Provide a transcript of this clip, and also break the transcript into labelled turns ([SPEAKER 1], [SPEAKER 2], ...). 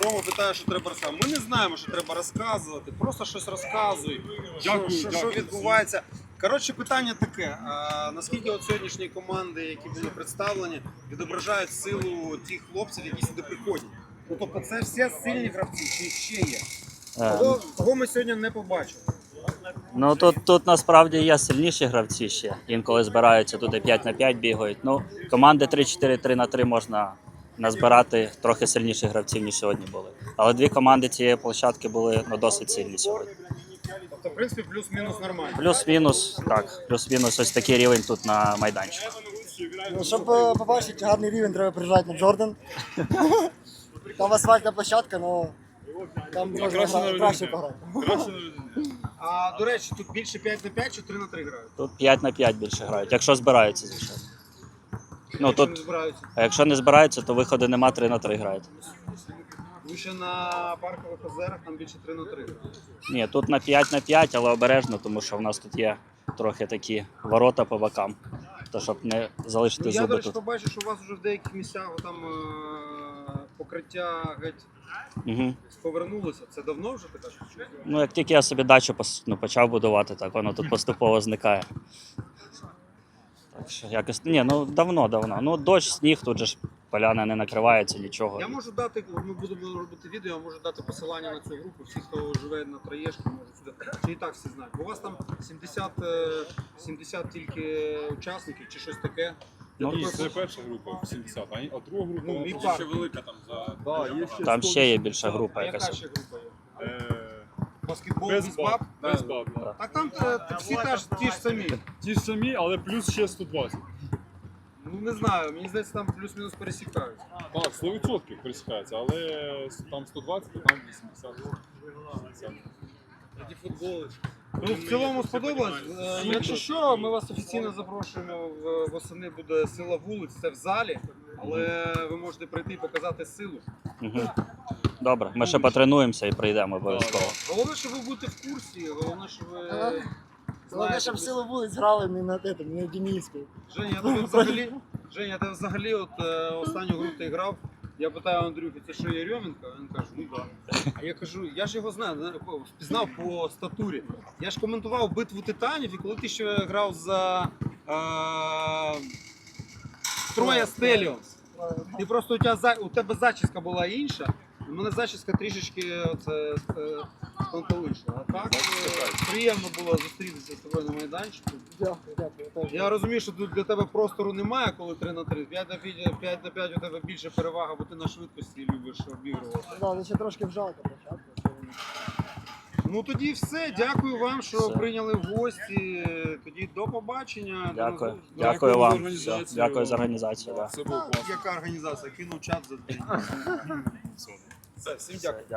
[SPEAKER 1] Рома питає, що треба розказувати. Ми не знаємо, що треба розказувати, просто щось розказуй, що відбувається. Коротше, питання таке, наскільки от сьогоднішні команди, які були представлені, відображають силу тих хлопців, які сюди приходять? Ну, тобто це всі сильні гравці, чи ще є? Кого ми сьогодні не побачили?
[SPEAKER 2] Ну тут насправді є сильніші гравці ще. Інколи збираються туди 5 на 5 бігають. Ну, команди 3-4, 3 на 3 можна назбирати трохи сильніших гравців, ніж сьогодні були. Але дві команди цієї площадки були досить сильні сьогодні.
[SPEAKER 1] Тобто, в принципі, плюс-мінус нормально.
[SPEAKER 2] Плюс-мінус, так, плюс-мінус ось такий рівень тут на майданчику.
[SPEAKER 3] Ну, щоб побачити гарний рівень, треба приїжджати на Джордан. Там асфальтна площадка, але там можна краще пограти.
[SPEAKER 1] А, до речі, тут більше 5 на 5 чи 3 на 3 грають?
[SPEAKER 2] Тут 5 на 5 більше грають, якщо збираються, звичайно. Ну,
[SPEAKER 1] Якщо не
[SPEAKER 2] тут,
[SPEAKER 1] збираються.
[SPEAKER 2] а якщо не збираються, то виходу нема, 3 на 3 грають.
[SPEAKER 1] Ви ще на паркових озерах там більше 3 на 3 грають.
[SPEAKER 2] Ні, тут на 5 на 5, але обережно, тому що в нас тут є трохи такі ворота по бокам. То щоб не залишити
[SPEAKER 1] Ну, я, до
[SPEAKER 2] зуби
[SPEAKER 1] речі,
[SPEAKER 2] тут.
[SPEAKER 1] побачив, що у вас вже в деяких місцях там покриття геть
[SPEAKER 2] Угу.
[SPEAKER 1] повернулося. Це давно вже така штука?
[SPEAKER 2] Ну, як тільки я собі дачу почав будувати, так воно тут поступово зникає. Так що якось. Ні, ну давно. Ну, дощ, сніг, тут же ж поляна не накривається, нічого.
[SPEAKER 1] Я можу дати, ми будемо робити відео, я можу дати посилання на цю групу. Всі, хто живе на Троєшки, можуть сюди. Чи і так всі знають. Бо у вас там 70 тільки учасників чи щось таке.
[SPEAKER 2] Ну,
[SPEAKER 4] Ні, це перша група 70, а друга група
[SPEAKER 1] Ну, мій
[SPEAKER 4] вона
[SPEAKER 1] парк.
[SPEAKER 4] ще велика там за.
[SPEAKER 2] Там ще є більша група
[SPEAKER 1] А яка
[SPEAKER 2] якась.
[SPEAKER 1] ще група є? Баскетбол,
[SPEAKER 4] Без
[SPEAKER 1] бейсбол?
[SPEAKER 4] баб. Без баб, да.
[SPEAKER 1] Так там всі ті ж самі.
[SPEAKER 4] Ті ж самі, але плюс ще 120.
[SPEAKER 1] Ну не знаю, мені здається, там плюс-мінус пересікаються.
[SPEAKER 4] Так, 100% пересікається, але там 120, то там 80.
[SPEAKER 1] Тоді футболи. Ну, в цілому сподобалось. Якщо що, ми вас офіційно запрошуємо. Восени буде сила вулиць, це в залі, але ви можете прийти і показати силу.
[SPEAKER 2] Угу. Добре, ми ще потренуємося і прийдемо обов'язково.
[SPEAKER 1] Головне, що ви будете в курсі, головне, що ви
[SPEAKER 3] Головне,
[SPEAKER 1] знаєте.
[SPEAKER 3] щоб силу вулиць грали не на тетому, не на Дениску.
[SPEAKER 1] Женя, я тебе взагалі от останню гру ти грав. Я питаю Андрюхи, це що Єрьоменко? Він каже, ну так. А я кажу, я ж його знаю, впізнав по статурі. Я ж коментував битву титанів, і коли ти ще грав за Троя Стеліонс, ти просто у тебе зачіска була інша, у мене зачіска трішечки спонтовиша. А так приємно було зустрітися з тобою на майданчику.
[SPEAKER 3] Дякую.
[SPEAKER 1] Я розумію, що тут для тебе простору немає, коли 3 на 3. 5 на 5 у тебе більше перевага, бо ти на швидкості любиш обігрувати.
[SPEAKER 3] Так, ще трошки вжалка початку.
[SPEAKER 1] Ну тоді все. Дякую вам, що
[SPEAKER 2] Все.
[SPEAKER 1] прийняли в гості. Тоді до побачення.
[SPEAKER 2] Дякую.
[SPEAKER 1] До
[SPEAKER 2] Дякую
[SPEAKER 4] за
[SPEAKER 2] вам.
[SPEAKER 4] організацію.
[SPEAKER 2] Все, дякую за організацію. Да.
[SPEAKER 4] Це було класно.
[SPEAKER 1] Яка організація? Кинув чат за день. Все, всім дякую.